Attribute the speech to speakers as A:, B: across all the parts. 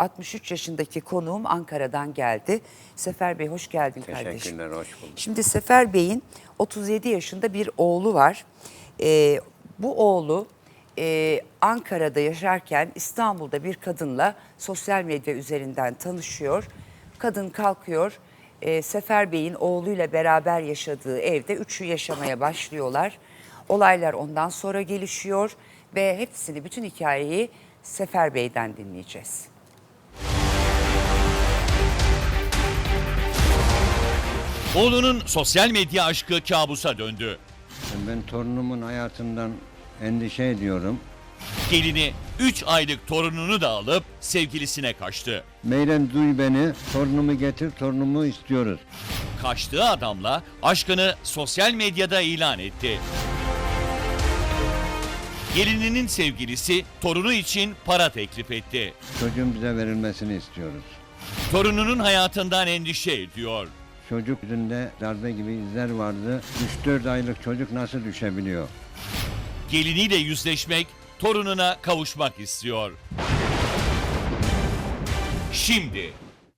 A: 63 yaşındaki konuğum Ankara'dan geldi. Sefer Bey hoş geldin kardeşim.
B: Teşekkürler, hoş bulduk.
A: Şimdi Sefer Bey'in 37 yaşında bir oğlu var. Bu oğlu Ankara'da yaşarken İstanbul'da bir kadınla sosyal medya üzerinden tanışıyor. Kadın kalkıyor. Sefer Bey'in oğluyla beraber yaşadığı evde üçü yaşamaya başlıyorlar. Olaylar ondan sonra gelişiyor ve hepsini, bütün hikayeyi Sefer Bey'den dinleyeceğiz.
C: Oğlunun sosyal medya aşkı kabusa döndü.
B: Ben torunumun hayatından endişe ediyorum.
C: Gelini 3 aylık torununu da alıp sevgilisine kaçtı.
B: Meylen duy beni, torunumu getir, torunumu istiyoruz.
C: Kaçtığı adamla aşkını sosyal medyada ilan etti. Gelininin sevgilisi torunu için para teklif etti.
B: Çocuğun bize verilmesini istiyoruz.
C: Torununun hayatından endişe ediyor.
B: Çocuk yüzünde darbe gibi izler vardı. 3-4 aylık çocuk nasıl düşebiliyor?
C: Geliniyle yüzleşmek, torununa kavuşmak istiyor. Şimdi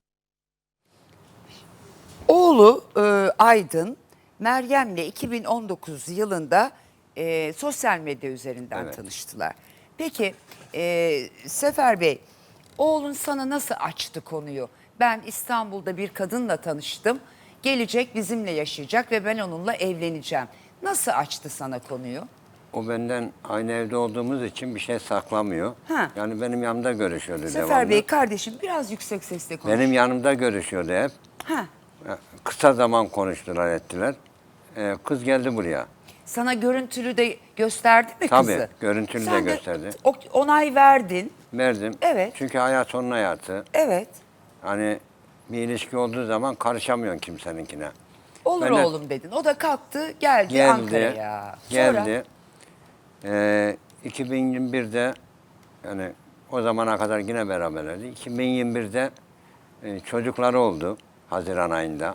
A: Oğlu Aydın, Meryem'le 2019 yılında sosyal medya üzerinden
B: Evet.
A: tanıştılar. Peki Sefer Bey, oğlun sana nasıl açtı konuyu? Ben İstanbul'da bir kadınla tanıştım, gelecek bizimle yaşayacak ve ben onunla evleneceğim. Nasıl açtı sana konuyu?
B: O benden aynı evde olduğumuz için bir şey saklamıyor.
A: Ha.
B: Yani benim yanımda görüşüyordu
A: Sefer
B: devamlı.
A: Bey kardeşim biraz yüksek sesle konuş.
B: Benim yanımda görüşüyordu hep.
A: Ha.
B: Kısa zaman konuştular ettiler. Kız geldi buraya.
A: Sana görüntülü de gösterdi mi
B: Tabii,
A: kızı?
B: görüntülü de
A: Sen
B: gösterdi.
A: Onay verdin.
B: Verdim.
A: Evet.
B: Çünkü hayat onun hayatı.
A: Evet.
B: Hani bir ilişki olduğu zaman karışamıyorsun kimseninkine.
A: Olur
B: Ben de-
A: oğlum dedin. O da kalktı geldi,
B: Geldi.
A: Ankara'ya. Sonra
B: Geldi. 2021'de yani o zamana kadar yine beraberlerdi. 2021'de çocukları oldu Haziran ayında.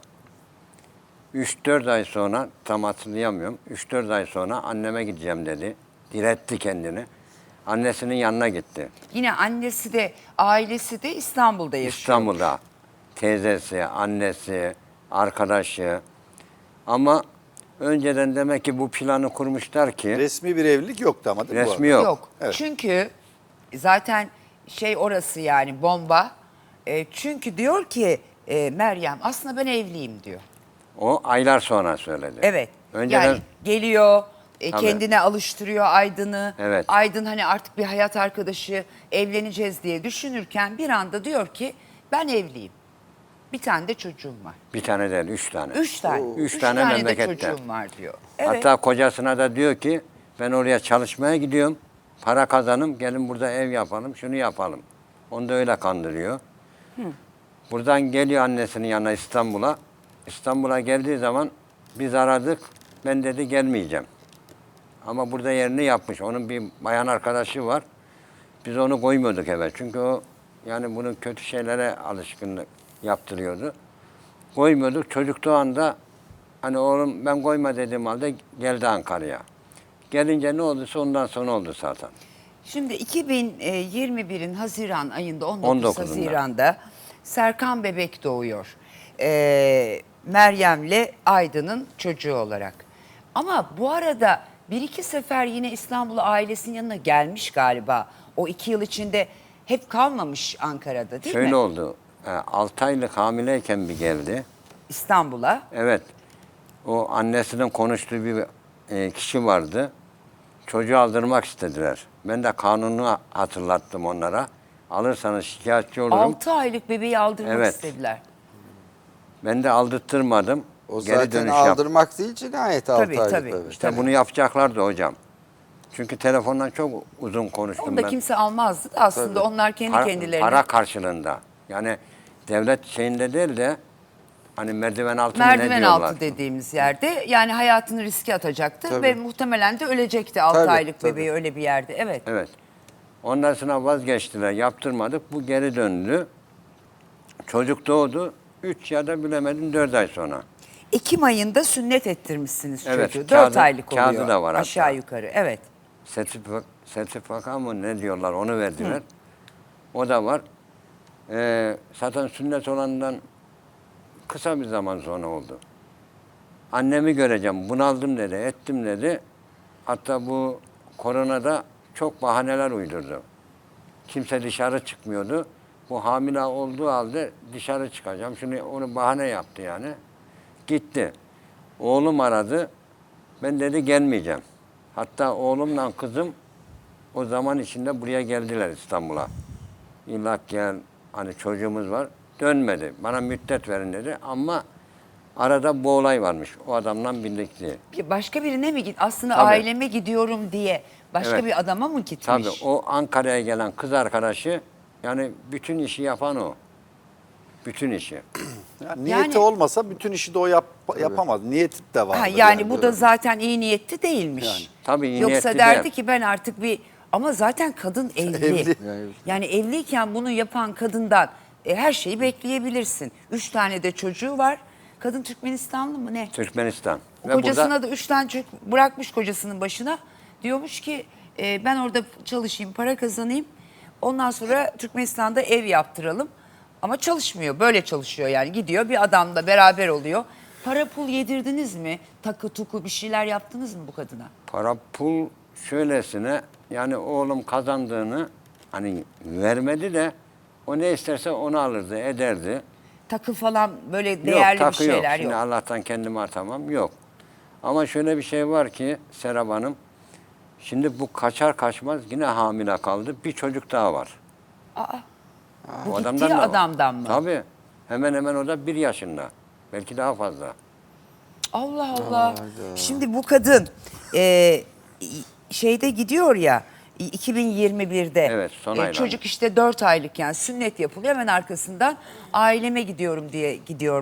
B: 3-4 ay sonra, tam hatırlayamıyorum, 3-4 ay sonra anneme gideceğim dedi. Diretti kendini. Annesinin yanına gitti.
A: yine annesi de ailesi de İstanbul'da yaşıyor.
B: İstanbul'da. Teyzesi, annesi, arkadaşı. Ama önceden demek ki bu planı kurmuşlar ki
D: Resmi bir evlilik yoktu ama değil mi bu
B: resmi
D: arada?
B: yok.
A: Yok.
D: Evet.
A: Çünkü zaten şey orası yani bomba. Çünkü diyor ki Meryem aslında ben evliyim diyor.
B: O aylar sonra söyledi.
A: Evet.
B: Önceden
A: Yani geliyor,
B: Tabii.
A: kendine alıştırıyor Aydın'ı.
B: Evet.
A: Aydın hani artık bir hayat arkadaşı, evleneceğiz diye düşünürken bir anda diyor ki ben evliyim. Bir tane de çocuğum var.
B: bir tane değil, 3 tane.
A: 3 tane.
B: Üç
A: Üç
B: tane
A: de
B: memlekette.
A: çocuğum var diyor. Evet.
B: Hatta kocasına da diyor ki ben oraya çalışmaya gidiyorum. Para kazanım, gelin burada ev yapalım, şunu yapalım. Onu da öyle kandırıyor. Buradan geliyor annesinin yanına İstanbul'a. İstanbul'a geldiği zaman biz aradık. Ben dedi gelmeyeceğim. Ama burada yerini yapmış. Onun bir bayan arkadaşı var. Biz onu koymuyorduk eve. Çünkü o yani bunun kötü şeylere alışkınlık yaptırıyordu. Koymuyorduk. Çocuk doğ anda hani oğlum ben koyma dediğim halde geldi Ankara'ya. Gelince ne olduysa ondan sonra oldu zaten.
A: Şimdi 2021'in Haziran ayında 19
B: 19'unda.
A: Haziran'da Serkan bebek doğuyor. Meryem'le Aydın'ın çocuğu olarak. Ama bu arada bir iki sefer yine İstanbul'a ailesinin yanına gelmiş galiba. O 2 yıl içinde hep kalmamış Ankara'da değil mi?
B: Şöyle oldu. 6 aylık hamileyken bir geldi.
A: İstanbul'a.
B: Evet. O annesinin konuştuğu bir kişi vardı. Çocuğu aldırmak istediler. Ben de kanunu hatırlattım onlara. Alırsanız şikayetçi olurum.
A: 6 aylık bebeği aldırmak
B: Evet.
A: istediler.
B: Ben de aldırttırmadım.
D: O
B: Geri
D: zaten
B: dönüş yap.
D: aldırmak değil cinayet 6
A: Tabii,
D: aylık
A: tabii.
D: bebek.
B: İşte bunu yapacaklardı hocam. Çünkü telefondan çok uzun konuştum
A: Onu da
B: ben.
A: kimse almazdı da aslında
D: Tabii.
A: onlar kendi
B: Para-
A: kendilerine.
B: Para karşılığında. Yani devlet şeyinde değil de hani merdiven altı mı ne
A: Merdiven
B: diyorlar?
A: altı dediğimiz yerde yani hayatını riske atacaktı
D: Tabii.
A: ve muhtemelen de ölecekti 6
D: Tabii,
A: aylık
D: tabii.
A: bebeği öyle bir yerde. Evet.
B: Evet. Ondan sonra vazgeçtiler, yaptırmadık. Bu geri döndü. Çocuk doğdu. 3 ya da bilemedim 4 ay sonra.
A: Ekim ayında sünnet ettirmişsiniz
B: Evet,
A: çocuğu. 4
B: kağıdı-
A: aylık oluyor.
B: kağıdı da var hatta.
A: Aşağı yukarı. Evet.
B: Sertifika mı ne diyorlar onu verdiler. O da var. Zaten sünnet olandan kısa bir zaman sonra oldu. Annemi göreceğim, bunaldım dedi, ettim dedi. Hatta bu koronada çok bahaneler uydurdu. Kimse dışarı çıkmıyordu. Bu hamile olduğu halde dışarı çıkacağım. Şimdi onu bahane yaptı yani. Gitti. Oğlum aradı. Ben dedi gelmeyeceğim. Hatta oğlumla kızım o zaman içinde buraya geldiler İstanbul'a. İlla gel, hani çocuğumuz var. Dönmedi. Bana müddet verin dedi ama arada bu olay varmış. O adamla birlikte.
A: Başka birine mi git? Aslında
B: Tabii.
A: aileme gidiyorum diye başka
B: Evet.
A: bir adama mı gitmiş?
B: Tabii o Ankara'ya gelen kız arkadaşı yani bütün işi yapan o. Bütün işi.
D: Yani niyeti olmasa bütün işi de o yapamaz. Niyeti de var.
A: Ha, yani bu da zaten iyi niyetli değilmiş.
D: Yani.
B: Tabii iyi
A: Yoksa
B: niyetli
A: derdi
B: değil.
A: ki ben artık bir... Ama zaten kadın evli.
D: Evli.
A: Yani evliyken bunu yapan kadından her şeyi bekleyebilirsin. 3 tane de çocuğu var. Kadın Türkmenistanlı mı ne?
B: Türkmenistan.
A: Kocasına da 3 tane çocuk bırakmış kocasının başına. Diyormuş ki ben orada çalışayım, para kazanayım. Ondan sonra Türkmenistan'da ev yaptıralım. Ama çalışmıyor. Böyle çalışıyor yani. Gidiyor bir adamla beraber oluyor. Para pul yedirdiniz mi? Takı tuku bir şeyler yaptınız mı bu kadına?
B: para pul şöylesine yani oğlum kazandığını hani vermedi de o ne isterse onu alırdı, ederdi.
A: Takı falan böyle değerli
B: yok,
A: bir
B: takı yok.
A: şeyler
B: Şimdi
A: yok.
B: Allah'tan kendimi atamam. Yok. Ama şöyle bir şey var ki Serap Hanım, şimdi bu kaçar kaçmaz yine hamile kaldı. Bir çocuk daha var.
A: Bu
B: O
A: gittiği
B: da var.
A: adamdan mı?
B: Tabii. Hemen hemen o da 1 yaşında. Belki daha fazla.
A: Allah Allah. Şimdi bu kadın şeyde gidiyor ya 2021'de
B: Evet, son aylarda.
A: çocuk işte 4 aylıkken sünnet yapılıyor, hemen arkasından aileme gidiyorum diye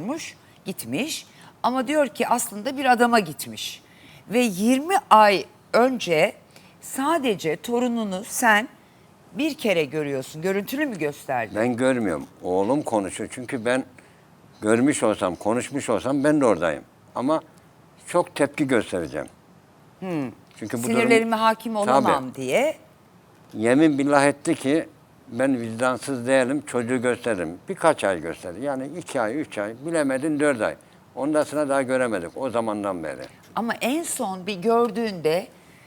A: gitmiş ama diyor ki aslında bir adama gitmiş ve 20 ay önce sadece torununu sen bir kere görüyorsun. Görüntülü mü gösterdi?
B: Ben görmüyorum. Oğlum konuşuyor. Çünkü ben görmüş olsam, konuşmuş olsam ben de oradayım. Ama çok tepki göstereceğim. Çünkü bu
A: Sinirlerime hakim olamam
B: Tabii.
A: diye.
B: Yemin billah etti ki ben vicdansız değilim, çocuğu gösteririm. Birkaç ay gösterdi. Yani 2 ay, 3 ay, bilemedin 4 ay. Ondan sonra daha göremedik o zamandan beri.
A: Ama en son bir gördüğünde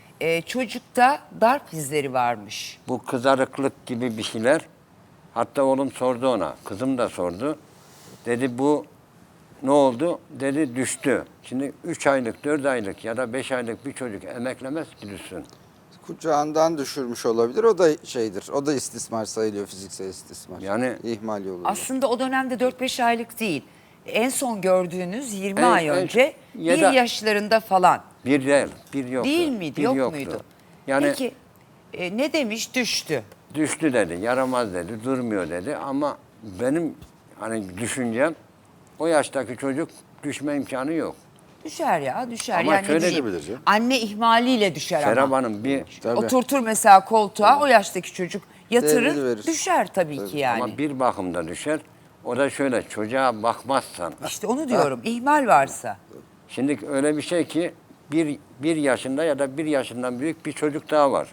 A: çocukta darp izleri varmış.
B: Bu kızarıklık gibi bir şeyler. Hatta oğlum sordu ona, kızım da sordu. Dedi bu ne oldu? Dedi düştü. Şimdi 3 aylık, 4 aylık ya da 5 aylık bir çocuk emeklemez ki düşsün.
D: Kucağından düşürmüş olabilir. O da şeydir. O da istismar sayılıyor, fiziksel istismar.
B: Yani-
D: ihmal yoluyla.
A: Aslında o dönemde 4-5 aylık değil. En son gördüğünüz 20
B: En-
A: ay
B: en-
A: önce
B: ya
A: 1
B: da-
A: yaşlarında falan.
B: Bir değil, bir yoktu.
A: Değil miydi?
B: Bir
A: Yok
B: yoktu.
A: muydu?
B: Yani
A: Peki ne demiş? Düştü.
B: düştü dedi, yaramaz dedi, durmuyor dedi. Ama benim hani düşüncem o yaştaki çocuk düşme imkanı yok.
A: Düşer ya, düşer.
B: Ama
A: yani
B: şöyle
A: diyeyim,
D: diyebilir canım.
A: anne ihmaliyle düşer
B: Serap
A: ama.
B: Hanım bir
D: Tabii.
A: Oturtur mesela koltuğa, o yaştaki çocuk yatırır,
D: Devrilir.
A: düşer tabii ki yani.
B: ama bir bakımda düşer. O da şöyle çocuğa bakmazsan.
A: İşte onu diyorum, ihmal varsa.
B: Şimdi öyle bir şey ki bir yaşında ya da 1 yaşından büyük bir çocuk daha var.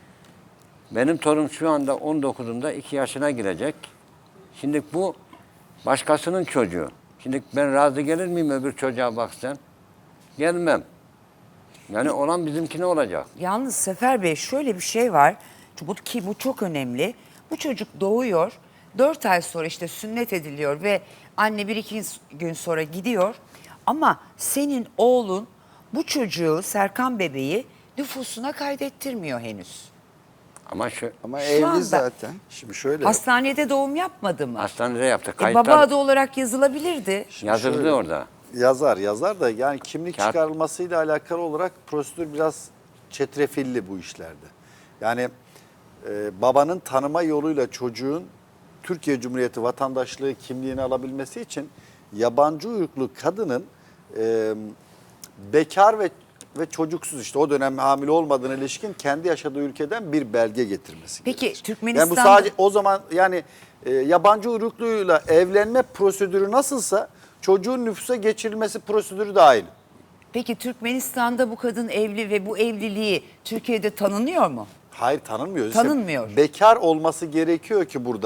B: Benim torun şu anda 19'unda 2 yaşına girecek. Şimdi bu başkasının çocuğu. Şimdi ben razı gelir miyim öbür çocuğa bak sen? Gelmem. Yani olan bizimkine olacak.
A: Yalnız Sefer Bey şöyle bir şey var ki bu çok önemli. Bu çocuk doğuyor, 4 ay sonra işte sünnet ediliyor ve anne 1-2 gün sonra gidiyor. Ama senin oğlun bu çocuğu, Serkan bebeği nüfusuna kaydettirmiyor henüz.
B: Ama şu
D: Ama
A: Şu
D: evli
A: anda-
D: zaten. Şimdi şöyle.
A: Hastanede doğum yapmadı mı?
B: hastanede yaptık.
A: Baba
B: Kayıtlar
A: adı olarak yazılabilirdi.
B: yazıldı
D: şöyle.
B: orada.
D: Yazar da yani kimlik
B: Kağıt-
D: çıkarılmasıyla alakalı olarak prosedür biraz çetrefilli bu işlerde. Yani babanın tanıma yoluyla çocuğun Türkiye Cumhuriyeti vatandaşlığı kimliğini alabilmesi için yabancı uyruklu kadının bekar ve çocuksuz işte o dönem hamile olmadığına ilişkin kendi yaşadığı ülkeden bir belge getirmesi
A: Peki,
D: gerekir.
A: Türkmenistan'da-
D: Yani bu sadece o zaman yani yabancı uyrukluyla evlenme prosedürü nasılsa çocuğun nüfusa geçirilmesi prosedürü de aynı.
A: Peki Türkmenistan'da bu kadın evli ve bu evliliği Türkiye'de tanınıyor mu?
D: Hayır tanınmıyor. İşte
A: Tanınmıyor.
D: bekar olması gerekiyor ki buradan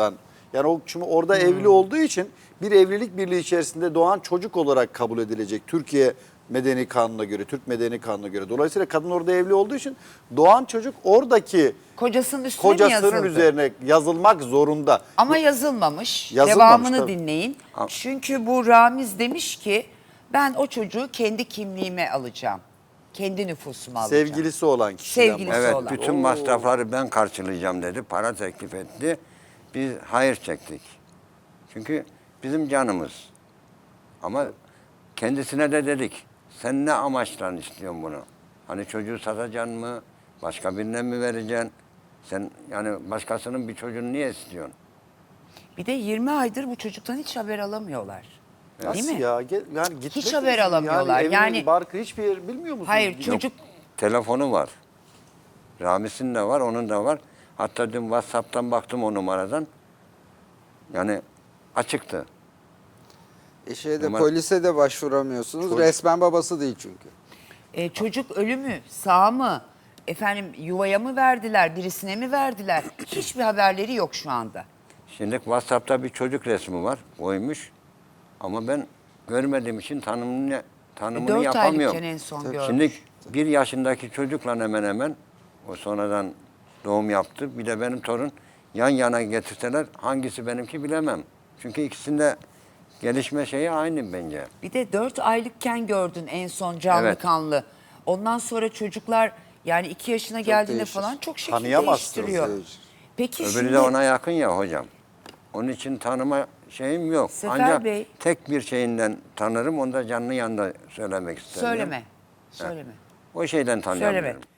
D: Yani o şimdi orada evli olduğu için bir evlilik birliği içerisinde doğan çocuk olarak kabul edilecek Türkiye Medeni Kanunu'na göre, Türk Medeni Kanunu'na göre. Dolayısıyla kadın orada evli olduğu için doğan çocuk oradaki
A: Kocasının üstüne mi yazıldı?
D: kocasının üzerine yazılmak zorunda.
A: Ama yazılmamış.
D: Yazılmamış,
A: Devamını
D: tabii.
A: dinleyin. Çünkü bu Ramiz demiş ki ben o çocuğu kendi kimliğime alacağım. Kendi nüfusuma alacağım.
D: Sevgilisi olan kişiden
A: Sevgilisi
D: bahsediyor.
B: Evet,
A: olan.
B: bütün masrafları ben karşılayacağım dedi. Para teklif etti. Biz hayır çektik. Çünkü bizim canımız. Ama kendisine de dedik. Sen ne amaçla istiyorsun bunu? Hani çocuğu satacaksın mı? Başka birine mi vereceksin? Sen yani başkasının bir çocuğunu niye istiyorsun?
A: Bir de 20 aydır bu çocuktan hiç haber alamıyorlar. Değil
D: Nasıl
A: mi?
D: ya? Yani gitmek
A: Hiç haber
D: misin?
A: alamıyorlar.
D: Yani,
A: Yani-
D: evini, barkı hiçbir yer bilmiyor musun?
A: Hayır, çocuk
B: Telefonu var. Ramis'in de var, onun da var. Hatta dün WhatsApp'tan baktım o numaradan. Yani açıktı. Ama-
E: Polise de başvuramıyorsunuz. Resmen babası değil çünkü.
A: çocuk ölü mü, sağ mı, efendim yuvaya mı verdiler, birisine mi verdiler? Hiçbir haberleri yok şu anda.
B: Şimdi WhatsApp'ta bir çocuk resmi var, koymuş. Ama ben görmediğim için tanımını
A: 4
B: yapamıyorum.
A: aylıkken en son görmüş.
B: Şimdi 1 yaşındaki çocukla hemen hemen o sonradan doğum yaptı. Bir de benim torun yan yana getirseler hangisi benimki bilemem. Çünkü ikisinde gelişme şeyi aynı bence.
A: Bir de 4 aylıkken gördün en son canlı
B: Evet.
A: kanlı. Ondan sonra çocuklar yani 2 yaşına geldiğinde
E: değişir.
A: falan çok şekil
D: Tanıyamazsınız.
A: değiştiriyor.
E: Değişir.
A: Peki
B: Öbürü
A: şimdi
B: de ona yakın ya hocam. Onun için tanıma şeyim yok.
A: Sefer
B: Ancak
A: Bey-
B: tek bir şeyinden tanırım. Onu da canlı yanında söylemek isterim.
A: söyleme.
B: O şeyden tanıyamıyorum.
A: Söyleme.